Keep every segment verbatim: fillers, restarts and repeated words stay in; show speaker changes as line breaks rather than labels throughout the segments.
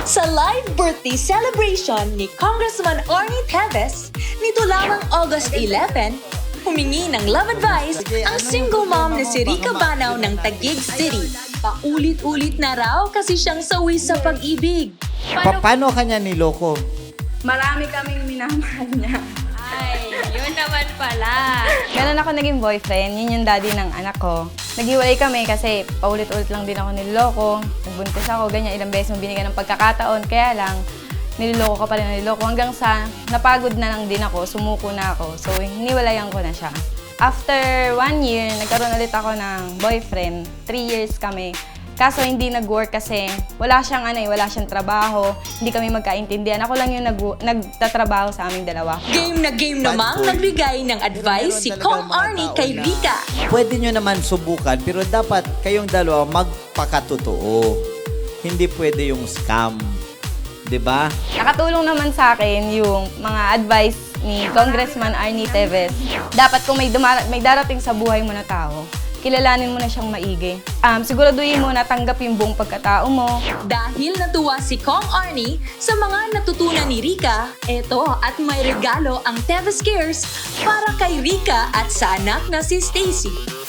Sa live birthday celebration ni Congressman Arnie Teves, nito lamang August eleventh, humingi ng love advice ang single mom na si Rica Banaw ng Taguig City. Paulit-ulit na raw kasi siyang sawi sa pag-ibig.
Pa- paano kanya niloko?
Marami kaming minamahal niya.
Ay, yun naman pala.
Meron ako naging boyfriend, yun yung daddy ng anak ko. Naghiwalay kami kasi paulit-ulit lang din ako niloloko. Nagbuntis ako, ganyan, ilang beses mo binigyan ng pagkakataon. Kaya lang, niloloko ka pa rin niloloko. Hanggang sa napagod na lang din ako, sumuko na ako. So, hiniwalayan ko na siya. After one year, nagkaroon ulit ako ng boyfriend. Three years kami. Kaso hindi nag-work kasi wala siyang ano eh, wala siyang trabaho. Hindi kami magkaintindihan. Ako lang yung nag- nagtatrabaho sa aming dalawa.
Game na game namang nagbigay ng advice si Kong Arnie kay Rica.
Pwede nyo naman subukan, pero dapat kayong dalawa magpakatotoo. Hindi pwede yung scam. 'Di ba?
Nakatulong naman sa akin yung mga advice ni Congressman Arnie Teves. Dapat kung may, dumar- may darating sa buhay mo na tao, kilalanin mo na siyang maigi. Um, siguraduhin mo na tanggap yung buong pagkatao mo.
Dahil natuwa si Kong Arnie sa mga natutunan ni Rica, eto at may regalo ang Teves Cares para kay Rica at sa anak na si Stacy.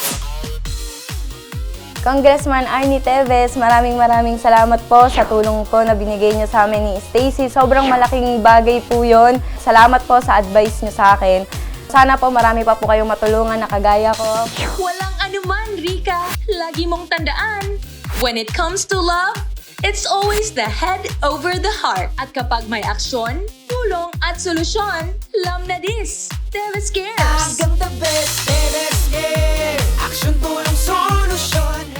Congressman Arnie Teves, maraming maraming salamat po sa tulong po na binigay niyo sa amin ni Stacy. Sobrang malaking bagay po yun. Salamat po sa advice niyo sa akin. Sana po marami pa po kayong matulungan na kagaya ko.
Walang anuman, Rica. Lagi mong tandaan, when it comes to love, it's always the head over the heart. At kapag may aksyon, tulong at solusyon, lam na dis. Teves Cares!
Hanggang the best, Teves Care. Action, tulong, solusyon.